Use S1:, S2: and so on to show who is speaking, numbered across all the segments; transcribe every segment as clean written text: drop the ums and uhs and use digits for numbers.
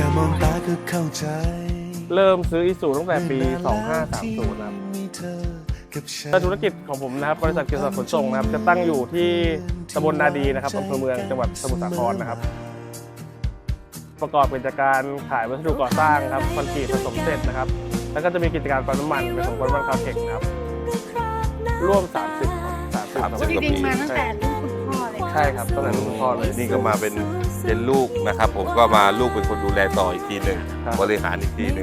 S1: มองตาก็เข้าใจ
S2: เริ่มซื้ออิสุตั้งแต่ปี 2530 นะครับธุรกิจของผมนะครับบริษัทเกียรติศักดิ์ขนส่งนะครับจะตั้งอยู่ที่ตำบลนาดีนะครับอำเภอเมืองจังหวัดสมุทรสาครนะครับประกอบกิจการขายวัสดุก่อสร้างครับคอนกรีตผสมเสร็จนะครับแล้วก็จะมีกิจการปั๊มน้ำมันเป็นของบริษัทคาเทคนะครับร่วม 30 ครับ
S3: จริงๆมาตั้งแต่รุ่นคุณพ่อเลย
S2: ใช่ครับตั้งแต่รุ่นคุณพ่อเลย
S4: นี่ก็มาเป็นลูกนะครับ ผมก็มาลูกเป็นคนดูแลต่ออีกทีหนึ่งบริหารอีกทีหนึ่ง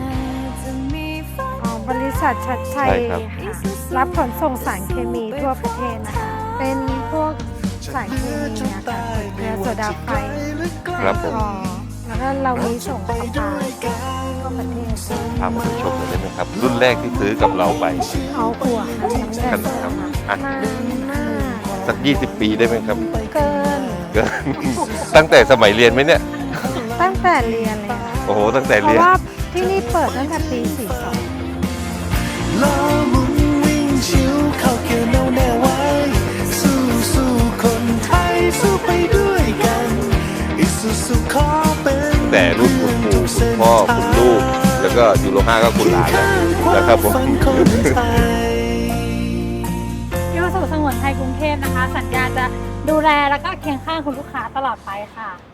S3: บริษัทชัดชัย
S4: ใช่ครับ
S3: ค่ะรับขนส่งสารเคมีทั่วประเทศนะคะเป็นพวกสารเคมีนะคะเกลือโซดาไฟ
S4: ครับผม
S3: แล้วก็เรามีส่งปลาทั่วประเทศ
S4: พามาชมหน่อยได้ไหมครับ รุ่นแรกที่ซื้อกับเราไป
S3: เอาหัวค่ะน้ำแดง
S4: ครับ
S3: ค่ะนานมาก
S4: สัก 20 ปีได้ไหมครับ
S3: เกิน
S4: เกิน ตั้งแต่สมัยเรียนไหมเนี่ย
S3: ตั้งแต่เรียนเลยค่ะ
S4: โอ้โหตั้งแต่
S3: เพ
S4: เรีย
S3: ราะ
S4: น
S3: ว่าที่นี่เปิดตั้งแต่ปี 42
S1: ล้อหมุนวิ่งชิวเข้าเกี่ยวแนวแน่ไว้สู้คนไทยสู้ไปด้วยกันอิสุสุขอเป็น
S4: แต่รุ่นคุณปู่คุณพ่อคุณลูก แล้วก็ยูโร5ก็คุณหลานแล้วครับผม
S3: ที่มาสู่สงวนไทยกรุงเทพนะคะ สัญญาจะดูแลแล้วก็เคียงข้างคุณลูกค้าตลอดไปค่ะ